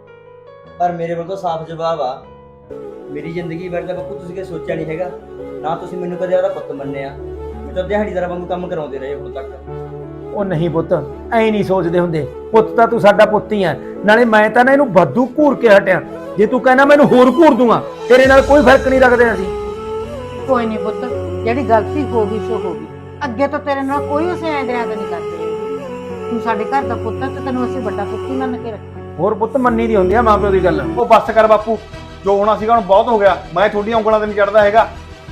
Speaker 5: ਪਰ ਮੇਰੇ ਵੱਲ ਤਾਂ ਸਾਫ਼ ਜਵਾਬ ਆ, ਮੇਰੀ ਜ਼ਿੰਦਗੀ ਬਾਰੇ ਤਾਂ ਬਾਪੂ ਤੁਸੀਂ ਕਦੇ ਸੋਚਿਆ ਨਹੀਂ ਹੈਗਾ, ਨਾ ਤੁਸੀਂ ਮੈਨੂੰ ਕਦੇ ਉਹਦਾ ਪੁੱਤ ਮੰਨਿਆ, ਮੈਂ ਤਾਂ ਦਿਹਾੜੀਦਾਰਾਂ ਵਾਂਗੂ ਕੰਮ ਕਰਾਉਂਦੇ ਰਹੇ ਹੁਣ ਤੱਕ।
Speaker 4: ਉਹ ਨਹੀਂ ਪੁੱਤ, ਐ ਨਹੀਂ ਸੋਚਦੇ ਹੁੰਦੇ, ਪੁੱਤ ਤਾਂ ਤੂੰ ਸਾਡਾ ਪੁੱਤ ਹੀ ਆ, ਨਾਲੇ ਮੈਂ ਤਾਂ ਨਾ ਇਹਨੂੰ ਵਾਧੂ ਘੂਰ ਕੇ ਹਟਿਆ, ਜੇ ਤੂੰ ਕਹਿਣਾ ਮੈਨੂੰ ਹੋਰ ਘੂਰ ਦੂੰਗਾ, ਤੇਰੇ ਨਾਲ ਕੋਈ ਫਰਕ ਨਹੀਂ ਰੱਖਦੇ ਅਸੀਂ।
Speaker 2: ਕੋਈ ਨਹੀਂ ਪੁੱਤ, ਜਿਹੜੀ ਗਲਤੀ ਹੋ ਗਈ ਸੋ ਹੋ ਗਈ, ਅੱਗੇ ਤੋਂ ਤੇਰੇ ਨਾਲ ਕੋਈ ਉਸੇ ਐਂਦਰਿਆਂ ਨਹੀਂ ਕਰਦੇ। ਤੂੰ ਸਾਡੇ ਘਰ ਦਾ ਪੁੱਤ ਤੇ ਤੈਨੂੰ ਅਸੀਂ ਵੱਡਾ ਪੁੱਤ ਹੀ ਮੰਨ ਕੇ ਰੱਖਾਂ।
Speaker 4: ਹੋਰ ਪੁੱਤ ਮੰਨੀ ਦੀ ਹੁੰਦੀ ਆ ਮਾਂ ਪਿਓ ਦੀ ਗੱਲ।
Speaker 3: ਉਹ ਬੱਸ ਕਰ ਬਾਪੂ, ਜੋ ਹੋਣਾ ਸੀਗਾ ਹੁਣ ਬਹੁਤ ਹੋ ਗਿਆ, ਮੈਂ ਤੁਹਾਡੀਆਂ ਉਂਗਲਾਂ ਤੇ ਨਹੀਂ ਚੜਦਾ ਹੈਗਾ।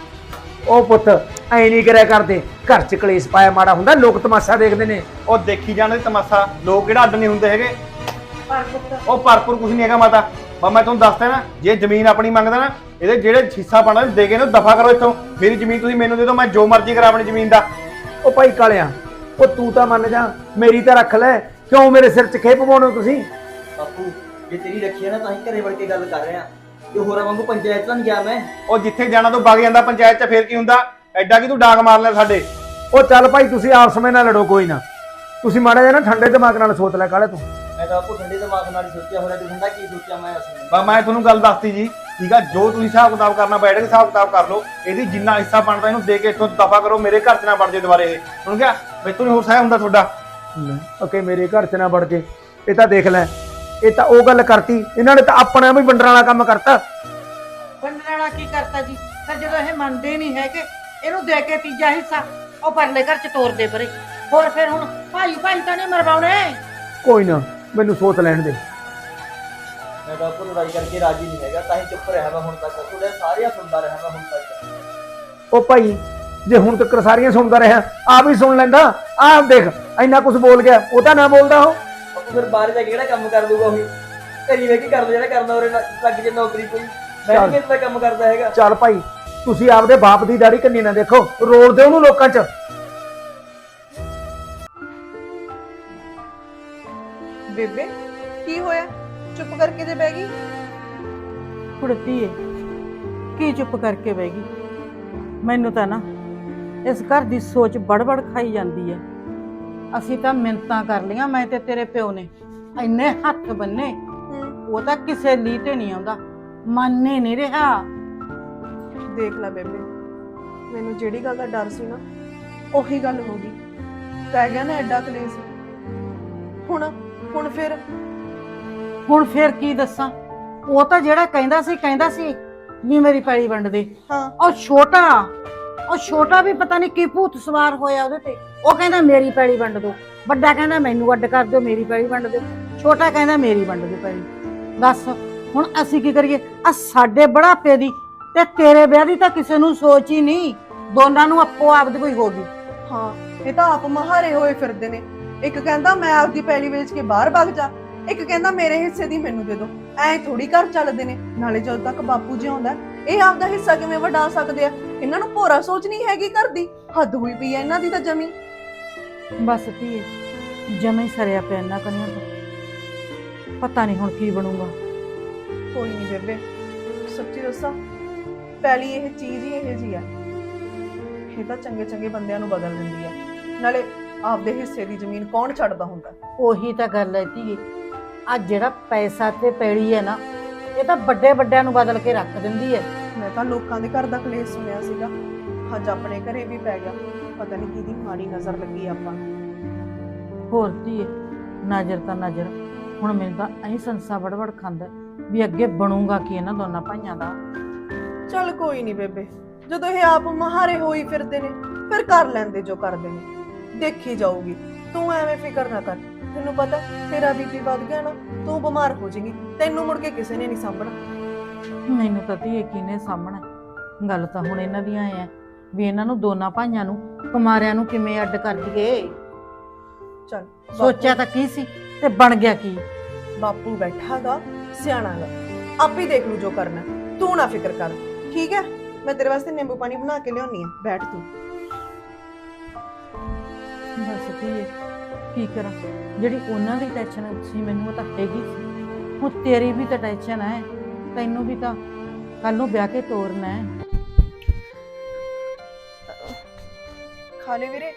Speaker 4: ਉਹ ਪੁੱਤ ਐ ਨਹੀਂ ਕਰਿਆ ਕਰਦੇ, ਘਰ ਚ ਕਲੇਸ਼ ਪਾਇਆ ਮਾੜਾ ਹੁੰਦਾ, ਲੋਕ ਤਮਾਸ਼ਾ ਦੇਖਦੇ ਨੇ।
Speaker 3: ਉਹ ਦੇਖੀ ਜਾਣ ਦੇ ਤਮਾਸ਼ਾ, ਲੋਕ ਕਿਹੜਾ ਅੱਡ ਨਹੀਂ ਹੁੰਦੇ ਹੈਗੇ।
Speaker 2: ਪਰ ਪੁੱਤ
Speaker 3: ਉਹ ਭਰਪੂਰ ਕੁਝ ਨਹੀਂ ਹੈਗਾ ਮਾਤਾ, ਮੈਂ ਤੁਹਾਨੂੰ ਦੱਸਦਾ ਨਾ, ਜੇ ਜ਼ਮੀਨ ਆਪਣੀ ਮੰਗਦਾ ਨਾ, ਇਹਦੇ ਜਿਹੜੇ ਹਿੱਸਾ ਪਾਣਾ ਦੇ ਕੇ ਨਾ ਦਫਾ ਕਰੋ ਇੱਥੋਂ, ਮੇਰੀ ਜ਼ਮੀਨ ਤੁਸੀਂ ਮੈਨੂੰ ਦੇ ਦਿਓ, ਮੈਂ ਜੋ ਮਰਜ਼ੀ ਕਰਾਂ ਆਪਣੀ ਜ਼ਮੀਨ ਦਾ।
Speaker 4: ਉਹ ਭਾਈ ਕਾਲਿਆ, ਉਹ ਤੂੰ ਤਾਂ ਮੰਨ ਜਾ, ਮੇਰੀ ਤਾਂ ਰੱਖ ਲੈ, ਕਿਉਂ ਮੇਰੇ ਸਿਰ 'ਚ ਖੇਪ ਪਾਉਣੇ ਹੋ ਤੁਸੀਂ।
Speaker 5: ਬਾਪੂ ਜੇ ਤੇਰੀ ਰੱਖੀ ਆ ਨਾ ਤਾਂ ਹੀ ਘਰੇ ਵੜ ਕੇ ਗੱਲ ਕਰ ਰਹੇ ਆ, ਤੇ ਹੋਰਾਂ ਵਾਂਗੂ ਪੰਚਾਇਤ ਤਾਂ ਨਹੀਂ ਗਿਆ ਮੈਂ।
Speaker 3: ਉਹ ਜਿੱਥੇ ਜਾਣਾ ਤੂੰ ਵਗ ਜਾਂਦਾ ਪੰਚਾਇਤ 'ਚ, ਫੇਰ ਕੀ ਹੁੰਦਾ, ਐਡਾ ਕੀ ਤੂੰ ਡਾਂਗ ਮਾਰ ਲੈ ਸਾਡੇ।
Speaker 4: ਉਹ ਚੱਲ ਭਾਈ ਤੁਸੀਂ ਆਪਸ ਵਿੱਚ ਨਾ ਲੜੋ, ਕੋਈ ਨਾ, ਤੁਸੀਂ ਮਾੜਾ ਜਿਹਾ ਨਾ ਠੰਡੇ ਦਿਮਾਗ ਨਾਲ ਸੋਚ ਲੈ ਕਾਲੇ ਤੂੰ।
Speaker 5: ਮੈਂ ਤਾਂ ਬਾਪੂ ਠੰਡੇ ਦਿਮਾਗ ਨਾਲ ਹੀ ਸੋਚਿਆ, ਹੋਰਾਂ ਤੇ ਠੰਡਾ ਕੀ ਸੋਚਿਆ ਮੈਂ ਅਸਲ।
Speaker 3: ਮੈਂ ਤੁਹਾਨੂੰ ਗੱਲ ਦੱਸਤੀ ਜੀ, ਠੀਕ ਆ, ਜੋ ਤੁਸੀਂ ਹਿਸਾਬ ਕਿਤਾਬ ਕਰਨਾ ਬੈਠ ਕੇ ਹਿਸਾਬ ਕਿਤਾਬ ਕਰ ਲਓ, ਇਹਦੀ ਜਿੰਨਾ ਹਿੱਸਾ ਬਣਦਾ ਇਹਨੂੰ ਦੇ ਕੇ ਇੱਥੋਂ ਦਫਾ ਕਰੋ, ਮੇਰੇ ਘਰ 'ਚ ਨਾ ਬਣ ਜੇ ਦੁਬਾਰੇ ਇਹ, ਸੁਣ ਗਿਆ, ਮੈਥੋਂ ਨਹੀਂ ਹੋਰ ਸਹਿ ਹੁੰਦਾ ਤੁਹਾਡਾ।
Speaker 4: ਓਕੇ ਮੇਰੇ ਘਰ 'ਚ ਨਾ ਵੜ ਕੇ, ਇਹ ਤਾਂ ਦੇਖ ਲੈ ਇਹ ਤਾਂ ਉਹ ਗੱਲ ਕਰਤੀ, ਇਹਨਾਂ ਨੇ ਤਾਂ ਆਪਣਾ ਵੀ ਵੰਡਣ ਵਾਲਾ ਕੰਮ ਕਰਤਾ।
Speaker 2: ਵੰਡਣ ਵਾਲਾ ਕੀ ਕਰਤਾ ਜੀ? ਫਿਰ ਜਦੋਂ ਇਹ ਮੰਨਦੇ ਨਹੀਂ ਹੈਗੇ, ਇਹਨੂੰ ਦੇ ਕੇ ਤੀਜਾ ਹਿੱਸਾ ਉਹ ਪਰਲੇ ਘਰ ਚ ਤੋਰਦੇ ਪਰੇ। ਹੋਰ ਫਿਰ ਹੁਣ ਭਾਈ ਭਾਈ ਤਾਂ ਨਹੀਂ ਮਰਵਾਉਣੇ।
Speaker 4: ਕੋਈ ਨਾ, ਮੈਨੂੰ ਸੋਚ ਲੈਣ ਦੇ।
Speaker 5: ਮੈਂ ਬਾਪੂ ਲੜਾਈ ਕਰਕੇ ਰਾਜੀ ਨਹੀਂ ਹੈਗਾ, ਤਾਂ ਹੀ ਚੁੱਪ ਰਿਹਾ ਮੈਂ ਹੁਣ ਤੱਕ, ਤੁਹਾਡੇ ਸਾਰੀਆਂ ਸੁਣਦਾ ਰਿਹਾ ਮੈਂ ਹੁਣ ਤੱਕ।
Speaker 4: ਉਹ ਭਾਈ ਜੇ ਹੁਣ ਤੱਕ ਸਾਰੀਆਂ ਸੁਣਦਾ ਰਿਹਾ, ਆ ਵੀ ਸੁਣ ਲੈਂਦਾ। ਆਹ ਦੇਖ ਇੰਨਾ ਕੁਝ ਬੋਲ ਗਿਆ, ਉਹ ਤਾਂ ਨਾ ਬੋਲਦਾ ਉਹ।
Speaker 5: ਬਾਪੂ ਫਿਰ ਬਾਹਰ ਜਾ ਕੇ ਕਿਹੜਾ ਕੰਮ ਕਰ ਲੂਗਾ ਉਹੀ, ਘਰੀ ਵੇ ਕੀ ਕਰਦਾ ਜਿਹੜਾ ਕਰਨਾ, ਉਰੇ ਲੱਗ ਜੇ ਨੌਕਰੀ ਕੋਈ। ਮੈਂ ਵੀ ਇਦਾਂ ਕੰਮ ਕਰਦਾ ਹੈਗਾ।
Speaker 4: ਚੱਲ ਭਾਈ, ਤੁਸੀਂ ਆਪਦੇ ਬਾਪ ਦੀ ਦਾੜੀ ਕੰਨੀ ਨਾ ਦੇਖੋ, ਰੋਲ ਦਿਓ ਉਹਨੂੰ ਲੋਕਾਂ 'ਚ।
Speaker 1: ਬੇਬੇ ਕੀ ਹੋਇਆ, ਚੁੱਪ ਕਰਕੇ ਜੇ ਬਹਿ ਗਈ?
Speaker 2: ਕੁੜਤੀ ਏ ਕੀ ਚੁੱਪ ਕਰਕੇ ਬਹਿ ਗਈ? ਮੈਨੂੰ ਤਾਂ ਨਾ ਇਸ ਘਰ ਦੀ ਸੋਚ ਬੜਬੜ ਖਾਈ ਜਾਂਦੀ ਹੈ। ਅਸੀਂ ਤਾਂ ਮਿੰਨਤਾਂ ਕਰ ਲੀਆਂ, ਮੈਂ ਤੇ ਤੇਰੇ ਪਿਓ ਨੇ ਇੰਨੇ ਹੱਥ ਬੰਨੇ, ਉਹ ਤਾਂ ਕਿਸੇ ਲਈ ਤੇ ਨਹੀਂ ਆਉਂਦਾ, ਮੰਨ ਹੀ ਨਹੀਂ ਰਿਹਾ।
Speaker 1: ਦੇਖ ਲੈ ਬੇਬੇ, ਮੈਨੂੰ ਜਿਹੜੀ ਗੱਲ ਦਾ ਡਰ ਸੀ ਨਾ ਉਹੀ ਗੱਲ ਹੋ ਗਈ। ਪੈ ਗਿਆ ਨਾ ਐਡਾ ਕਲੇਸ਼। ਹੁਣ
Speaker 2: ਫਿਰ ਕੀ ਦੱਸਾਂ? ਉਹ ਤਾਂ ਜਿਹੜਾ ਕਹਿੰਦਾ ਸੀ ਵੀ ਮੇਰੀ ਪੈਲੀ ਵੰਡ ਦੇ।
Speaker 1: ਹਾਂ,
Speaker 2: ਉਹ ਛੋਟਾ ਵੀ ਪਤਾ ਨਹੀਂ ਕੀ ਭੂਤ ਸਵਾਰ ਹੋਇਆ ਉਹਦੇ ਤੇ। ਉਹ ਕਹਿੰਦਾ ਮੇਰੀ ਪੈਲੀ ਵੰਡ ਦੋ, ਵੱਡਾ ਕਹਿੰਦਾ ਮੈਨੂੰ ਅੱਡ ਕਰ ਦਿਓ, ਮੇਰੀ ਪੈਲੀ ਵੰਡ ਦਿਓ, ਛੋਟਾ ਕਹਿੰਦਾ ਮੇਰੀ ਵੰਡ ਦਿਓ ਪੈਲੀ। ਦੱਸ ਹੁਣ ਅਸੀਂ ਕੀ ਕਰੀਏ? ਆ ਸਾਡੇ ਬੁਢਾਪੇ ਦੀ ਤੇ ਤੇਰੇ ਵਿਆਹ ਦੀ ਤਾਂ ਕਿਸੇ ਨੂੰ ਸੋਚ ਹੀ ਨਹੀਂ, ਦੋਨਾਂ ਨੂੰ ਆਪੋ ਆਪ ਦੀ ਕੋਈ ਹੋ ਗਈ।
Speaker 1: ਹਾਂ, ਇਹ ਤਾਂ ਆਪ ਮਹਾਰੇ ਹੋਏ ਫਿਰਦੇ ਨੇ। ਇੱਕ ਕਹਿੰਦਾ ਮੈਂ ਆਪਦੀ ਪੈਲੀ ਵੇਚ ਕੇ ਬਾਹਰ ਭੱਜ ਜਾ, ਇੱਕ ਕਹਿੰਦਾ ਮੇਰੇ ਹਿੱਸੇ ਦੀ ਮੈਨੂੰ ਦੇ ਦਿਓ। ਐ ਥੋੜੀ ਘਰ ਚੱਲਦੇ ਨੇ। ਨਾਲੇ ਜਦੋਂ ਤੱਕ ਬਾਪੂ ਜੀ ਆਉਂਦਾ, ਇਹ ਆਪਦਾ ਹਿੱਸਾ ਕਿਵੇਂ ਵੰਡਾ ਸਕਦੇ ਆ? ਇਹਨਾਂ ਨੂੰ ਭੋਰਾ ਸੋਚ ਨਹੀਂ ਹੈਗੀ ਘਰ ਦੀ। ਹੱਦ ਹੋਈ ਪਈ ਐ ਇਹਨਾਂ ਦੀ ਤਾਂ ਜਮੀ।
Speaker 2: ਬਸ ਧੀਏ, ਜਮੇ ਸਰਿਆ ਪਿਆ ਇਹਨਾਂ ਕਨੀਆਂ ਤੋਂ। ਪਤਾ ਨਹੀਂ ਹੁਣ ਕੀ ਬਣੂਗਾ।
Speaker 1: ਕੋਈ ਨਹੀਂ ਬੇਬੇ, ਸੱਚੀ ਦੱਸਾਂ, ਪੈਲੀ ਇਹ ਚੀਜ਼ ਹੀ ਇਹੋ ਜਿਹੀ ਆ, ਇਹ ਤਾਂ ਚੰਗੇ ਚੰਗੇ ਬੰਦਿਆਂ ਨੂੰ ਬਦਲ ਦਿੰਦੀ ਆ। ਨਾਲੇ ਆਪਦੇ ਹਿੱਸੇ ਦੀ ਜ਼ਮੀਨ ਕੌਣ ਛੱਡਦਾ ਹੁੰਦਾ?
Speaker 2: ਉਹੀ ਤਾਂ ਗੱਲ ਹੈ ਧੀਏ, ਆ ਜਿਹੜਾ ਪੈਸਾ ਤੇ ਪੈੜੀ ਹੈ ਨਾ, ਇਹ ਤਾਂ ਵੱਡੇ ਵੱਡਿਆਂ ਨੂੰ ਬਦਲ ਕੇ ਰੱਖ ਦਿੰਦੀ ਹੈ।
Speaker 1: ਮੈਂ ਤਾਂ ਲੋਕਾਂ ਦੇ ਘਰ ਦਾ ਕਲੇਸ਼ ਸੁਣਿਆ ਸੀਗਾ, ਅੱਜ ਆਪਣੇ ਘਰੇ ਵੀ ਪੈ ਗਿਆ। ਪਤਾ ਨਹੀਂ ਕਿਹਦੀ ਮਾੜੀ ਨਜ਼ਰ ਲੱਗੀ ਆਪਾਂ ਨੂੰ।
Speaker 2: ਹੋਰ ਧੀਏ, ਨਜ਼ਰ ਤਾਂ ਨਜ਼ਰ। ਹੁਣ ਮੈਨੂੰ ਤਾਂ ਐਂ ਸੰਸਾ ਵੜਵੜ ਖਾਂਦਾ ਵੀ ਅੱਗੇ ਬਣੂਗਾ ਕੀ ਇਹਨਾਂ ਦੋਨਾਂ ਭਾਈਆਂ ਦਾ।
Speaker 1: ਚੱਲ ਕੋਈ ਨਹੀਂ ਬੇਬੇ, ਜਦੋਂ ਇਹ ਆਪ ਮਹਾਰੇ ਹੋਈ ਫਿਰਦੇ ਨੇ ਫਿਰ ਕਰ ਲੈਂਦੇ ਜੋ ਕਰਦੇ ਨੇ, ਦੇਖੀ ਜਾਊਗੀ। ਤੂੰ ਐਵੇਂ ਫਿਕਰ ਨਾ ਕਰ। ਤੈਨੂੰ ਪਤਾ ਤੇਰਾ ਬੀਪੀ ਵੱਧ ਗਿਆ ਨਾ, ਤੂੰ ਬਿਮਾਰ ਹੋ ਜਾਏਗੀ, ਤੈਨੂੰ ਮੁੜ ਕੇ ਕਿਸੇ ਨੇ ਨਹੀਂ ਸਾਂਭਣਾ।
Speaker 2: ਮੈਨੂੰ ਤਾਂ ਧੀਏ ਕਿਹਨੇ ਸਾਹਮਣਾ। ਗੱਲ ਤਾਂ ਹੁਣ ਇਹਨਾਂ ਦੀਆਂ ਐ ਵੀ ਇਹਨਾਂ ਨੂੰ ਦੋਨਾਂ ਭਾਈਆਂ ਨੂੰ ਕੁਮਾਰਿਆਂ ਨੂੰ ਕਿਵੇਂ ਅੱਡ ਕਰ ਦਈਏ।
Speaker 1: ਚੱਲ
Speaker 2: ਸੋਚਿਆ ਤਾਂ ਕੀ ਸੀ ਤੇ ਬਣ ਗਿਆ ਕੀ?
Speaker 1: ਬਾਪੂ ਬੈਠਾਗਾ, ਸਿਆਣਾਗਾ, ਆਪੇ ਦੇਖ ਲੂ ਜੋ ਕਰਨਾ। ਤੂੰ ਨਾ ਫਿਕਰ ਕਰ, ਠੀਕ ਹੈ? ਮੈਂ ਤੇਰੇ ਵਾਸਤੇ ਨਿੰਬੂ ਪਾਣੀ ਬਣਾ ਕੇ ਲਿਆਉਣੀ ਆ, ਬੈਠ ਤੂੰ।
Speaker 2: ਬਸ ਧੀਏ ਕੀ ਕਰਾਂ, ਜਿਹੜੀ ਉਹਨਾਂ ਦੀ ਟੈਨਸ਼ਨ ਸੀ ਮੈਨੂੰ ਉਹ ਤਾਂ ਹੈਗੀ ਸੀ, ਹੁਣ ਤੇਰੀ ਵੀ ਤਾਂ ਟੈਨਸ਼ਨ ਹੈ। ਤੈਨੂੰ ਵੀ ਤਾਂ ਕੱਲ ਨੂੰ ਵਿਆਹ ਕੇ ਤੋਰਨਾ ਹੈ।
Speaker 1: ਖਾ ਲੈ ਵੀਰੇ।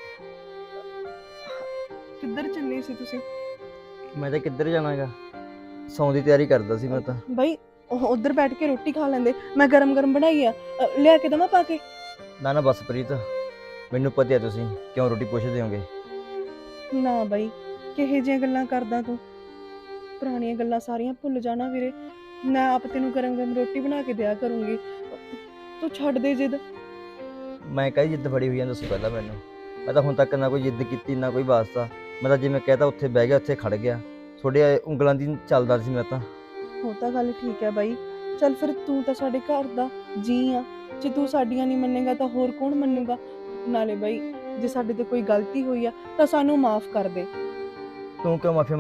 Speaker 1: ਕਿੱਧਰ ਚੱਲੇ ਸੀ ਤੁਸੀਂ?
Speaker 5: ਮੈਂ ਤਾਂ ਕਿੱਧਰ ਜਾਣਾਗਾ, ਸੌਣ ਦੀ ਤਿਆਰੀ ਕਰਦਾ ਸੀ ਮੈਂ ਤਾਂ।
Speaker 1: ਬਾਈ ਉੱਧਰ ਬੈਠ ਕੇ ਰੋਟੀ ਖਾ ਲੈਂਦੇ, ਮੈਂ ਗਰਮ ਗਰਮ ਬਣਾਈ ਆ, ਲਿਆ ਕੇ ਦਵਾਂ ਪਾ ਕੇ?
Speaker 5: ਨਾ ਬਸ ਪ੍ਰੀਤ, ਮੈਨੂੰ ਪਤਾ ਹੈ ਤੁਸੀਂ ਕਿਉਂ ਰੋਟੀ ਪੁੱਛਦੇ ਹੋਗੇ।
Speaker 1: ਨਾ ਬਾਈ, ਕਿਹੇ ਜਿਹੀਆਂ ਗੱਲਾਂ ਕਰਦਾ ਤੂੰ? ਪੁਰਾਣੀਆਂ ਗੱਲਾਂ ਸਾਰੀਆਂ ਭੁੱਲ ਜਾਣਾ ਵੀਰੇ। ਮੈਂ ਆਪ ਤੈਨੂੰ ਗਰਮ ਗਰਮ ਰੋਟੀ ਬਣਾ ਕੇ ਦਿਆ ਕਰੂੰਗੀ, ਤੂੰ ਛੱਡ ਦੇ ਜਿੱਦ।
Speaker 5: ਮੈਂ ਕਹੀ ਜਿੱਦ ਫੜੀ ਹੋਈ ਆ, ਦੱਸੋ ਪਹਿਲਾਂ ਮੈਨੂੰ। ਮੈਂ ਤਾਂ ਹੁਣ ਤੱਕ ਨਾ ਕੋਈ ਜਿੱਦ ਕੀਤੀ, ਨਾ ਕੋਈ ਵਾਸਤਾ। ਮੈਂ ਤਾਂ ਜਿਵੇਂ ਕਹਿਤਾ ਉੱਥੇ ਬਹਿ ਗਿਆ, ਉੱਥੇ ਖੜ ਗਿਆ। ਤੁਹਾਡੇ ਉਂਗਲਾਂ ਦੀ ਚੱਲਦਾ ਸੀ ਮੈਂ ਤਾਂ।
Speaker 1: ਉਹ ਤਾਂ ਗੱਲ ਠੀਕ ਹੈ ਬਾਈ, ਚੱਲ ਫਿਰ ਤੂੰ ਤਾਂ ਸਾਡੇ ਘਰ ਦਾ ਜੀ ਆ, ਜੇ ਤੂੰ ਸਾਡੀਆਂ ਨਹੀਂ ਮੰਨੇਗਾ ਤਾਂ ਹੋਰ ਕੌਣ ਮੰਨੂਗਾ? ਨਾਲੇ ਬਾਈ, ਜੇ ਸਾਡੇ ਤੇ ਕੋਈ ਗਲਤੀ ਹੋਈ ਆ ਤਾਂ ਸਾਨੂੰ ਮਾਫ ਕਰ ਦੇ।
Speaker 5: ਤੂੰ ਕਿਉਂ ਮਾਫੀ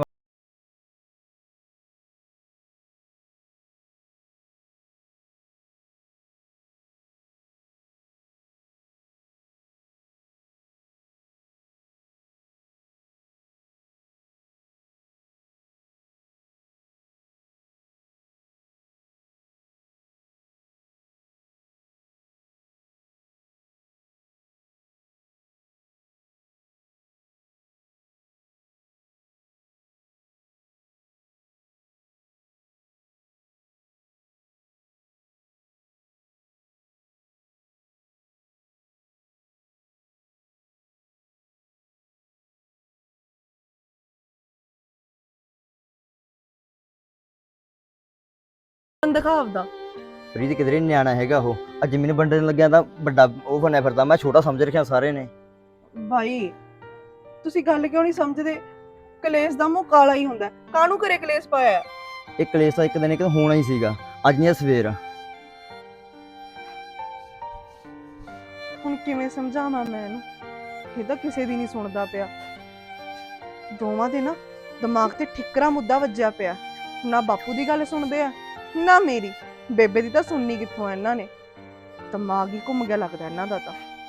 Speaker 1: ਦਿਖਾਵਦਾ।
Speaker 5: ਪ੍ਰੀਤ ਕਿਧਰੇ ਨੀ ਨਿਆਣਾ ਹੈਗਾ ਉਹ। ਅੱਜ ਜ਼ਮੀਨ ਵੰਡਣ ਲੱਗਿਆ ਤਾਂ ਵੱਡਾ ਉਹ ਬਣਿਆ ਫਿਰਦਾ, ਮੈਂ ਛੋਟਾ ਸਮਝ ਰੱਖਿਆ ਸਾਰੇ ਨੇ।
Speaker 1: ਭਾਈ ਤੁਸੀਂ ਗੱਲ ਕਿਉਂ ਨਹੀਂ ਸਮਝਦੇ? ਕਲੇਸ਼ ਦਾ ਮੂੰਹ ਕਾਲਾ ਹੀ ਹੁੰਦਾ, ਕਾਹਨੂੰ ਘਰੇ ਕਲੇਸ਼ ਪਾਇਆ?
Speaker 5: ਇਹ ਕਲੇਸ਼ ਤਾਂ ਇੱਕ ਦਿਨ ਹੋਣਾ ਹੀ ਸੀਗਾ, ਅੱਜ ਨਹੀਂ ਸਵੇਰ।
Speaker 1: ਹੁਣ ਕਿਵੇਂ ਸਮਝਾਵਾਂ ਮੈਂ ਇਹਨੂੰ? ਇਹ ਤਾਂ ਕਿਸੇ ਦੀ ਨਹੀਂ ਸੁਣਦਾ ਪਿਆ। ਦੋਵਾਂ ਦੇ ਨਾ ਦਿਮਾਗ ਤੇ ਠਿੱਕਰਾ ਮੁੱਦਾ ਵੱਜਿਆ ਪਿਆ। ਨਾ ਬਾਪੂ ਦੀ ਗੱਲ ਸੁਣਦੇ ਆ ਨਾ ਮੇਰੀ। ਬੇਬੇ ਦੀ ਤਾਂ ਸੁਣਨੀ ਕਿੱਥੋਂ ਇਹਨਾਂ ਨੇ? ਦਿਮਾਗ ਹੀ ਘੁੰਮ ਗਿਆ ਲੱਗਦਾ ਇਹਨਾਂ ਦਾ ਤਾਂ।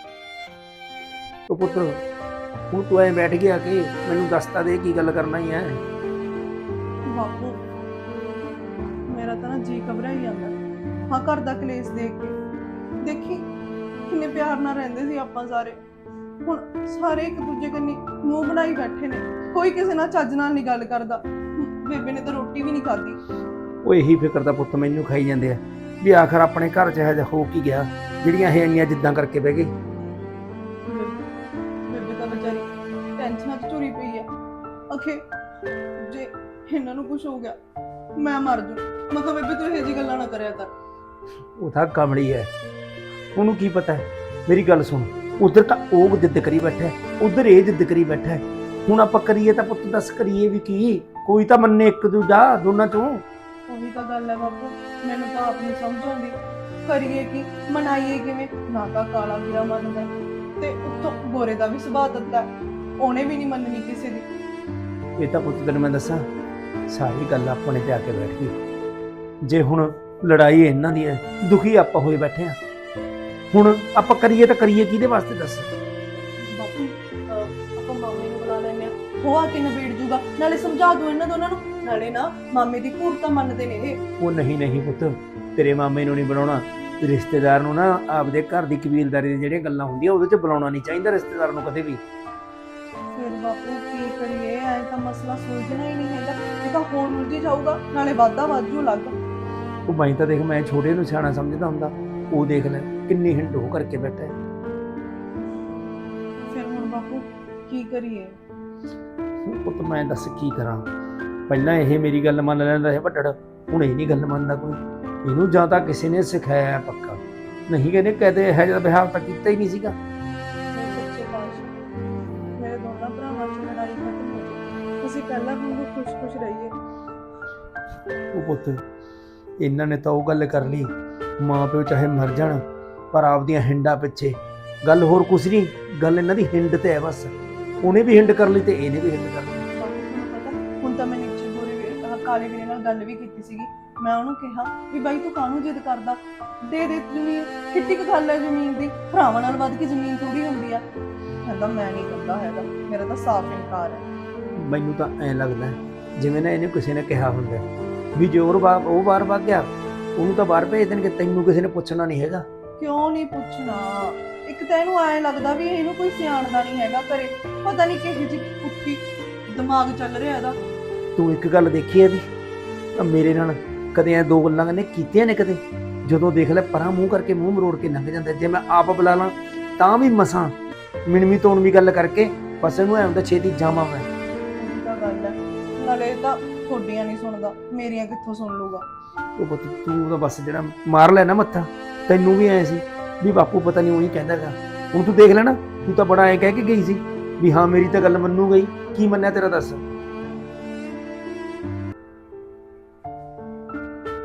Speaker 4: ਉਹ ਪੁੱਤਰ ਹੁਣ ਤੂੰ ਐ ਬੈਠ ਗਿਆ ਕਿ ਮੈਨੂੰ ਦੱਸਤਾ ਦੇ ਕੀ ਗੱਲ ਕਰਨਾ ਹੀ ਹੈ।
Speaker 1: ਬਾਪੂ ਮੇਰਾ ਤਾਂ ਨਾ ਜੀ ਘਬਰਾ ਹੀ ਜਾਂਦਾ। ਹਾਂ ਘਰ ਦਾ ਕਲੇਸ਼ ਦੇਖ ਕੇ। ਦੇਖੀ ਕਿੰਨੇ ਪਿਆਰ ਨਾਲ ਰਹਿੰਦੇ ਸੀ ਆਪਾਂ ਸਾਰੇ, ਹੁਣ ਸਾਰੇ ਇੱਕ ਦੂਜੇ ਕੰਨੀ ਮੂੰਹ ਬਣਾਈ ਬੈਠੇ ਨੇ। ਕੋਈ ਕਿਸੇ ਨਾਲ ਚੱਜ ਨਾਲ ਨਹੀਂ ਗੱਲ ਕਰਦਾ। ਬੇਬੇ ਨੇ ਤਾਂ ਰੋਟੀ ਵੀ ਨਹੀਂ ਖਾਧੀ।
Speaker 4: ਉਹ ਇਹੀ ਫਿਕਰ ਦਾ ਪੁੱਤ ਮੈਨੂੰ ਖਾਈ ਜਾਂਦੇ ਆ ਵੀ ਆਖਰ ਆਪਣੇ ਘਰ 'ਚ ਇਹੋ ਜਿਹਾ ਹੋ ਕੀ ਗਿਆ ਜਿਹੜੀਆਂ ਇਹ ਇੰਨੀਆਂ ਜਿੱਦਾਂ ਕਰਕੇ ਬਹਿ ਗਈ।
Speaker 1: ਬੇਬੇ ਤਾਂ ਵਿਚਾਰੀ ਟੈਨਸ਼ਨਾਂ 'ਚ ਝੁਰੀ ਪਈ ਆ। ਅਖੇ ਜੇ ਇਹਨਾਂ ਨੂੰ ਕੁਝ ਹੋ ਗਿਆ ਮੈਂ ਮਰ ਜੂ। ਮੈਂ ਕਿਹਾ ਬੇਬੇ ਤੂੰ ਇਹੋ ਜਿਹੀ ਗੱਲਾਂ ਨਾ ਕਰਿਆ ਕਰ।
Speaker 4: ਉਹ ਤਾਂ ਕਮਲੀ ਹੈ, ਉਹਨੂੰ ਕੀ ਪਤਾ ਹੈ। ਮੇਰੀ ਗੱਲ ਸੁਣ, ਉਧਰ ਤਾਂ ਉਹ ਜਿੱਦ ਕਰੀ ਬੈਠਾ, ਉਧਰ ਇਹ ਜਿੱਦ ਕਰੀ ਬੈਠਾ। ਹੁਣ ਆਪਾਂ ਕਰੀਏ ਤਾਂ ਪੁੱਤ ਦੱਸ ਕਰੀਏ ਵੀ ਕੀ? ਕੋਈ ਤਾਂ ਮੰਨੇ ਇੱਕ ਦੂਜਾ ਦੋਨਾਂ ਚੋਂ।
Speaker 1: ਉਹੀ ਤਾਂ ਗੱਲ ਹੈ ਬਾਪੂ, ਮੈਨੂੰ ਤਾਂ ਆਪ ਨਹੀਂ ਸਮਝ ਆਉਂਦੀ ਕਰੀਏ ਕੀ, ਮਨਾਈਏ ਕਿਵੇਂ? ਨਾ ਤਾਂ ਕਾਲਾ ਵੀਰਾ ਮੰਨਦਾ ਤੇ ਉੱਤੋਂ ਗੋਰੇ ਦਾ ਵੀ ਸੁਭਾਅ ਦਿੱਤਾ, ਉਹਨੇ ਵੀ ਨਹੀਂ ਮੰਨਣੀ ਕਿਸੇ ਦੀ।
Speaker 4: ਇਹ ਤਾਂ ਪੁੱਤ ਤੈਨੂੰ ਮੈਂ ਦੱਸਾਂ ਸਾਰੀ ਗੱਲ ਆਪਣੇ ਤੇ ਆ ਕੇ ਬੈਠ ਗਈ। ਜੇ ਹੁਣ ਲੜਾਈ ਇਹਨਾਂ ਦੀ ਹੈ, ਦੁਖੀ ਆਪਾਂ ਹੋਏ ਬੈਠੇ ਆ। ਹੁਣ ਆਪਾਂ ਕਰੀਏ ਤਾਂ ਕਰੀਏ ਕਿਹਦੇ ਵਾਸਤੇ ਦੱਸ?
Speaker 1: ਬਾਪੂ ਆਪਾਂ ਮਾਮੇ ਨੂੰ ਬੁਲਾ ਲੈਂਦੇ ਆ, ਉਹ ਆ ਕੇ ਨਿਬੇੜ ਜੂਗਾ। ਨਾਲੇ ਸਮਝਾ ਦੂ ਇਹਨਾਂ ਦੋਨਾਂ ਨੂੰ, ਨਾਲੇ ਨਾ ਮਾਮੇ ਦੀ ਘੂਰ ਤਾਂ ਮੰਨਦੇ ਨੇ ਇਹ।
Speaker 4: ਉਹ ਨਹੀਂ ਪੁੱਤ, ਤੇਰੇ ਮਾਮੇ ਨੂੰ ਨਹੀਂ ਬਣਾਉਣਾ। ਰਿਸ਼ਤੇਦਾਰ ਨੂੰ ਨਾ ਆਪਦੇ ਘਰ ਦੀ ਕਬੀਲਦਾਰੀ ਦੀਆਂ ਜਿਹੜੀਆਂ ਗੱਲਾਂ ਹੁੰਦੀਆਂ ਉਹਦੇ 'ਚ ਬੁਲਾਉਣਾ ਨਹੀਂ ਚਾਹੀਦਾ ਰਿਸ਼ਤੇਦਾਰ ਨੂੰ ਕਦੇ ਵੀ।
Speaker 1: ਫਿਰ ਬਾਪੂ ਕੀ ਕਰੀਏ? ਐ ਤਾਂ ਮਸਲਾ ਸੁਲਝਣਾ ਹੀ ਨਹੀਂ ਹੈਗਾ। ਇਹ ਤਾਂ ਹੋਰ ਉਲਝੀ ਜਾਊਗਾ, ਨਾਲੇ ਵਾਧਾ ਵਾਜੂ ਲੱਗ।
Speaker 4: ਉਹ ਬਾਈ ਤਾਂ ਦੇਖ ਮੈਂ ਛੋਟੇ ਨੂੰ ਸਿਆਣਾ ਸਮਝਦਾ ਹੁੰਦਾ, ਉਹ ਦੇਖ ਲੈ ਕਿੰਨੀ ਹਿੰਡ ਹੋ ਕਰਕੇ ਬੈਠਾ ਹੈ।
Speaker 1: ਫਿਰ ਹੁਣ ਬਾਪੂ ਕੀ ਕਰੀਏ?
Speaker 4: ਪੁੱਤ ਮੈਂ ਦੱਸ ਕੀ ਕਰਾਂ? ਪਹਿਲਾਂ ਇਹ ਮੇਰੀ ਗੱਲ ਮੰਨ ਲੈਂਦਾ ਹੈ ਵੱਡੜ, ਹੁਣ ਇਹ ਨਹੀਂ ਗੱਲ ਮੰਨਦਾ ਕੋਈ। ਇਹਨੂੰ ਜਾਂ ਤਾਂ ਕਿਸੇ ਨੇ ਸਿਖਾਇਆ ਪੱਕਾ, ਨਹੀਂ ਕਹਿੰਦੇ ਕਹਦੇ ਇਹ ਜਿਹਾ ਵਿਹਾਰ ਤਾਂ ਕੀਤਾ ਹੀ ਨਹੀਂ ਸੀਗਾ।
Speaker 1: ਸੱਚੇ ਪਾਤਸ਼ਾਹ ਮੇਰੇ ਦੋਨਾਂ ਭਰਾਵਾਂ 'ਚ ਲੜਾਈ ਖਤਮ ਹੋ ਜਾਏ, ਤੁਸੀਂ ਪਹਿਲਾਂ ਵਾਂਗੂ ਖੁਸ਼-ਖੁਸ਼ ਰਹੀਏ।
Speaker 4: ਉਹ ਪੁੱਤ ਇਹਨਾਂ ਨੇ ਤਾਂ ਉਹ ਗੱਲ ਕਰ ਲਈ, ਮਾਂ ਪਿਓ ਚਾਹੇ ਮਰ ਜਾਣ ਪਰ ਆਪਦੀਆਂ ਹਿੰਡਾਂ ਪਿੱਛੇ। ਗੱਲ ਹੋਰ ਕੁਛ ਨਹੀਂ, ਗੱਲ ਇਹਨਾਂ ਦੀ ਹਿੰਡ ਤੇ ਹੈ ਬਸ। ਉਹਨੇ ਵੀ ਹਿੰਡ ਕਰ ਲਈ ਤੇ ਇਹਨੇ ਵੀ ਹਿੰਡ ਕਰ ਲਈ।
Speaker 1: ਬਾਪੂ ਤੁਹਾਨੂੰ ਪਤਾ ਹੁਣ ਤਾਂ ਮੈਂ ਨੀਚੇ ਗੋਰੇ ਕਾਲੇ ਵੀਰੇ ਨਾਲ ਗੱਲ ਵੀ ਕੀਤੀ ਸੀਗੀ। ਮੈਂ ਉਹਨੂੰ ਕਿਹਾ ਵੀ ਬਾਈ ਤੂੰ ਕਾਹਨੂੰ ਜਿੱਦ ਕਰਦਾ, ਦੇ ਦੇ ਜ਼ਮੀਨ, ਕਿੱਡੀ ਕੁ ਗੱਲ ਹੈ ਜ਼ਮੀਨ ਦੀ, ਭਰਾਵਾਂ ਨਾਲ ਵੱਧ ਕੇ ਜ਼ਮੀਨ ਥੋੜੀ ਹੁੰਦੀ ਆ। ਕਹਿੰਦਾ ਮੈਂ ਨਹੀਂ ਕਰਦਾ ਹੈਗਾ, ਮੇਰਾ ਤਾਂ ਸਾਫ਼ ਇਨਕਾਰ ਹੈ।
Speaker 4: ਮੈਨੂੰ ਤਾਂ ਐਂ ਲੱਗਦਾ ਜਿਵੇਂ ਨਾ ਇਹਨੇ ਕਿਸੇ ਨੇ ਕਿਹਾ ਹੁੰਦਾ ਵੀ ਜੇ ਉਹ ਬਾਹਰ ਵਗ ਗਿਆ ਉਹਨੂੰ ਤਾਂ ਬਾਹਰ ਭੇਜ ਦੇਣਗੇ, ਤੈਨੂੰ ਕਿਸੇ ਨੇ ਪੁੱਛਣਾ ਨਹੀਂ ਹੈਗਾ।
Speaker 1: ਕਿਉਂ ਨਹੀਂ ਪੁੱਛਣਾ? ਇੱਕ ਤਾਂ ਇਹਨੂੰ ਐਂ ਲੱਗਦਾ ਵੀ ਇਹਨੂੰ ਕੋਈ ਸਿਆਣਦਾ ਨਹੀਂ ਹੈਗਾ ਘਰੇ, ਪਤਾ ਨਹੀਂ ਕਿਹੋ ਜਿਹੀ ਪੁੱਠੀ ਦਿਮਾਗ ਚੱਲ ਰਿਹਾ ਇਹਦਾ।
Speaker 4: ਤੂੰ ਇੱਕ ਗੱਲ ਦੇਖੀ ਇਹਦੀ, ਮੇਰੇ ਨਾਲ ਕਦੇ ਐ ਦੋ ਗੱਲਾਂ ਨੇ ਕੀਤੀਆਂ ਨੇ ਕਦੇ? ਜਦੋਂ ਦੇਖ ਲੈ ਪਰਾਂ ਮੂੰਹ ਕਰਕੇ ਮੂੰਹ ਮਰੋੜ ਕੇ ਲੰਘ ਜਾਂਦਾ। ਜੇ ਮੈਂ ਆਪ ਬੁਲਾ ਲਾਂ ਤਾਂ ਵੀ ਮਸਾਂ ਮਿਣਵੀਂ ਤੋਣਵੀਂ ਗੱਲ ਕਰਕੇ ਬਸ ਇਹਨੂੰ ਐ ਹੁੰਦਾ ਛੇਤੀ ਜਾਵਾਂ ਮੈਂ।
Speaker 1: ਉਹੀ ਤਾਂ ਗੱਲ ਹੈ, ਨਾਲੇ ਇਹ ਤਾਂ ਤੁਹਾਡੀਆਂ ਨਹੀਂ ਸੁਣਦਾ, ਮੇਰੀਆਂ ਕਿੱਥੋਂ ਸੁਣ ਲੂਗਾ?
Speaker 4: ਉਹ ਪੁੱਤ ਤੂੰ ਤਾਂ ਬਸ ਜਿਹੜਾ ਮਾਰ ਲੈ ਨਾ ਮੱਥਾ, ਤੈਨੂੰ ਵੀ ਐ ਸੀ ਵੀ ਬਾਪੂ ਪਤਾ ਨਹੀਂ ਉਹੀ ਕਹਿੰਦਾਗਾ। ਹੁਣ ਤੂੰ ਦੇਖ ਲੈ ਨਾ, ਤੂੰ ਤਾਂ ਬੜਾ ਐ ਕਹਿ ਕੇ ਗਈ ਸੀ ਵੀ ਹਾਂ ਮੇਰੀ ਤਾਂ ਗੱਲ ਮੰਨੂਗਾ ਹੀ, ਕੀ ਮੰਨਿਆ ਤੇਰਾ ਦੱਸ?